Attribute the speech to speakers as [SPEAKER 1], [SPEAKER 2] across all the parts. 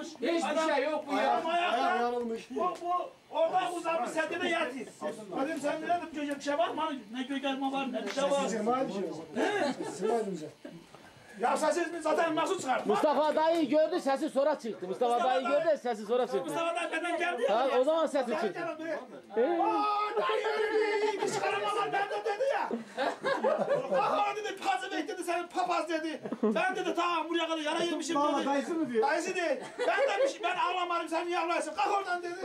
[SPEAKER 1] uzanmış.
[SPEAKER 2] Hiçbir şey yok bu ya.
[SPEAKER 1] Adam ayakta. Bu oradan uzanmış sen de yatayım. Dedim sen ne dedim çocuğa bir şey var mı? Ne gölgelme var ne bir şey var. Ya sessiz zaten nasıl çıkarttı?
[SPEAKER 3] Mustafa dayı gördü sesi sonra çıktı. Mustafa dayı gördü sesi sonra çıktı.
[SPEAKER 1] Mustafa dayı benden geldi ya.
[SPEAKER 3] Ha, o zaman sesi çıktı.
[SPEAKER 1] Aaa dayı bir çıkaramadan ben de dedi ya. Aha dedi pazı bekledi senin papaz dedi. Ben dedi tamam buraya kadar yara yemişim dedi.
[SPEAKER 4] Dayısı mı diyor?
[SPEAKER 1] Dayısı değil. Ben demişim ben ağlamadım sen niye ağlarsın? Kalk oradan dedi.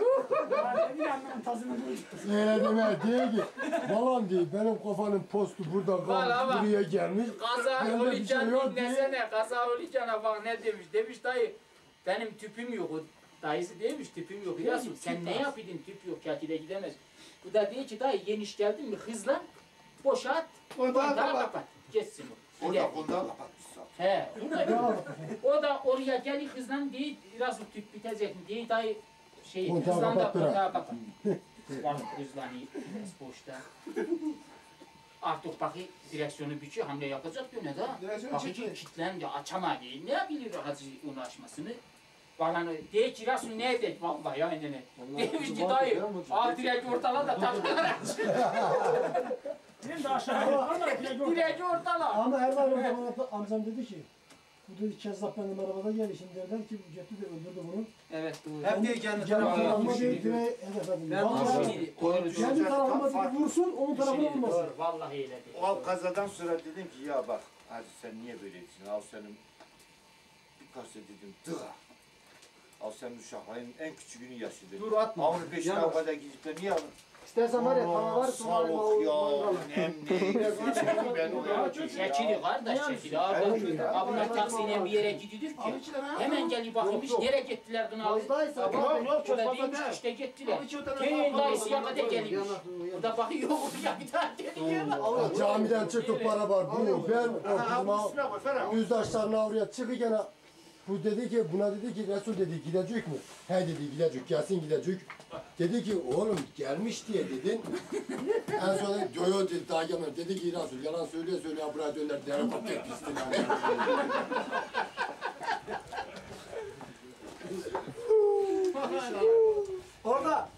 [SPEAKER 4] Öyle deme diye ki balan diye benim kafanın postu burada kalmış buraya gelmiş.
[SPEAKER 2] Kaza
[SPEAKER 4] Bende bir şey
[SPEAKER 2] Olican
[SPEAKER 4] yok
[SPEAKER 2] dinlesene. Kaza Olican'a bak ne demiş. Demiş dayı benim tüpüm yok. O dayısı demiş tüpüm yok. Ya sen ne yapıyordun tüp yok kakile gidemez. Bu da diyor ki dayı yeniş geldin mi hızlan boşalt. Kontağı kapat. Geçsin o.
[SPEAKER 5] Orada kontağı kapatmışsın.
[SPEAKER 2] He. O da oraya gel hızlan diye biraz tüp bitecek mi diye dayı şey
[SPEAKER 4] Kontağı
[SPEAKER 2] hızlan da
[SPEAKER 4] kapattı.
[SPEAKER 2] kontağı kapat. Hızlanıyor. Boşta. Artık bakı direksiyonu büküyor, hamle yapacak yine de. Bakı ki kilitlendi, açamadı. Ne bilir hacı onu açmasını? Bana diye ki Rasul ne edecek vallahi ya ne. Demiş ki dayı, al direkt ortala da takılar aç.
[SPEAKER 1] Benim de aşağıya.
[SPEAKER 2] Direkt ortala.
[SPEAKER 6] Ama Erdoğan o zaman amcam dedi ki bu dedi Kezzap benim arabada geldi şimdi derler ki bu götü de öldürdü bunu.
[SPEAKER 2] Evet doğru.
[SPEAKER 4] Hep diye kendi
[SPEAKER 6] Tarafıma değil direğe hedef edin. Kendi tarafıma dedi vursun onun tarafına olmasın.
[SPEAKER 2] Doğru, vallahi öyle değil.
[SPEAKER 5] O kazadan sonra dedim ki ya bak hadi sen niye böylesin? Al senin bir kase dedim dığa. Al senin uşakların en küçüğünü yaşadın.
[SPEAKER 4] Dur atma.
[SPEAKER 5] Onun peşine o kadar gidip de niye alın?
[SPEAKER 6] İstersen var ya tava var
[SPEAKER 5] Soğuk ya, nemli. Ben o ya.
[SPEAKER 2] Şekili kardeş şekili. Abla taksiyle bir yere gidiyor ki. Hemen gelip bakmış nereye gittiler kınalı.
[SPEAKER 6] Fazlaysa
[SPEAKER 2] O da demiş işte gittiler. Köyün dayısıya kadar gelmiş. O da bakıyor ya bir daha geliyor.
[SPEAKER 4] Camiden çıktık para var. Bu ben o yüzdaşlarına oraya çıkırken bu dedi ki buna dedi ki Resul dedi gidecek mi? He dedi gidecek gelsin gidecek. Dedi ki oğlum gelmiş diye dedin. En sonra yo dedi daha gelmedi. Dedi ki Resul yalan söylüyor söylüyor buraya döner helikopter pistine.
[SPEAKER 6] orada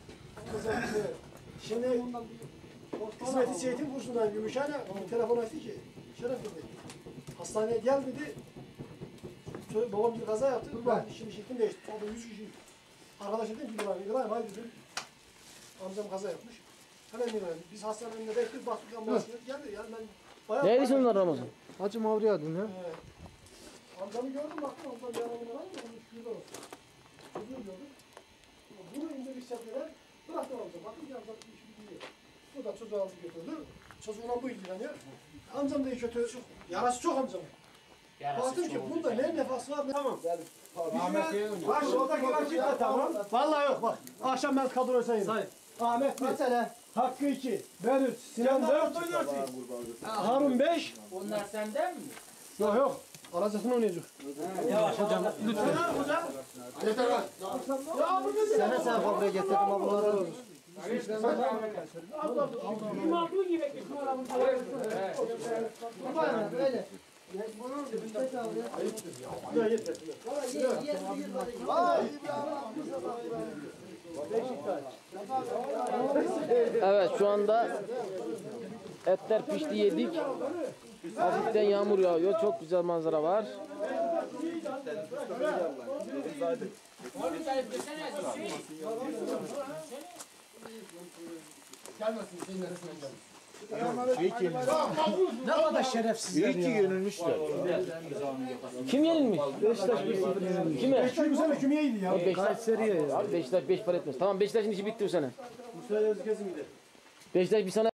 [SPEAKER 6] şimdi hizmeti Seyit'in kursundan Gümüşhane telefon açtı ki Şeref dedi hastaneye gel dedi. Babam bir kaza yaptı. Ben şimdi şeklim değişti. Orada 100 kişi. Arkadaş dedim ki İbrahim haydi dedim. Amcam kaza yapmış. Hemen İbrahim. Biz hastanın önünde bekliyoruz. Baktık ambulansına geldi. Yani ben bayağı...
[SPEAKER 3] Neydi onlar Ramazan?
[SPEAKER 6] Hacı Mavri adın ya. Amcamı gördüm baktım. Amcam bir adamın var mı? Onu şurada olsun. Çocuğu gördüm. Bunu indirdik seferler. Bıraktım amcam. Bakın ki amcam bir işi biliyor. Bu da çocuğu aldı götürdü. Çocuğuna bu ilgileniyor. Amcam da iyi kötü. Yarası çok amcamın. Baktım ki bunda ne nefas var ne... Tamam. Bak oradaki rakip de tamam. Vallahi yok bak. Akşam ben kadroyu sayayım. Say. Ahmet 1. Hakkı 2. Ben 3. Sinan 4. Harun 5.
[SPEAKER 2] Onlar senden mi?
[SPEAKER 6] Yok yok. Aracısını oynayacak.
[SPEAKER 1] Yavaş hocam. Lütfen. Hocam.
[SPEAKER 4] Yeter lan.
[SPEAKER 6] Sen fabrikaya getirdim ablaları olur.
[SPEAKER 1] İmalı gibi bekliyorsun.
[SPEAKER 6] Öyle.
[SPEAKER 3] Evet şu anda etler pişti yedik. Hafiften yağmur yağıyor. Çok güzel manzara var.
[SPEAKER 4] Gelmesin senin neresinden gelmesin.
[SPEAKER 6] Ne kadar şerefsizler ya.
[SPEAKER 4] yenilmişler.
[SPEAKER 3] Kim yenilmiş?
[SPEAKER 6] Beşiktaş 1-0
[SPEAKER 3] Kime?
[SPEAKER 6] Beşiktaş bu sene kümeye iyiydi ya.
[SPEAKER 3] Beşiktaş. Abi Beşiktaş 5 para etmez. Tamam Beşiktaş'ın işi bitti bu sene.
[SPEAKER 6] Bu sene kesin gider.
[SPEAKER 3] Beşiktaş bir sana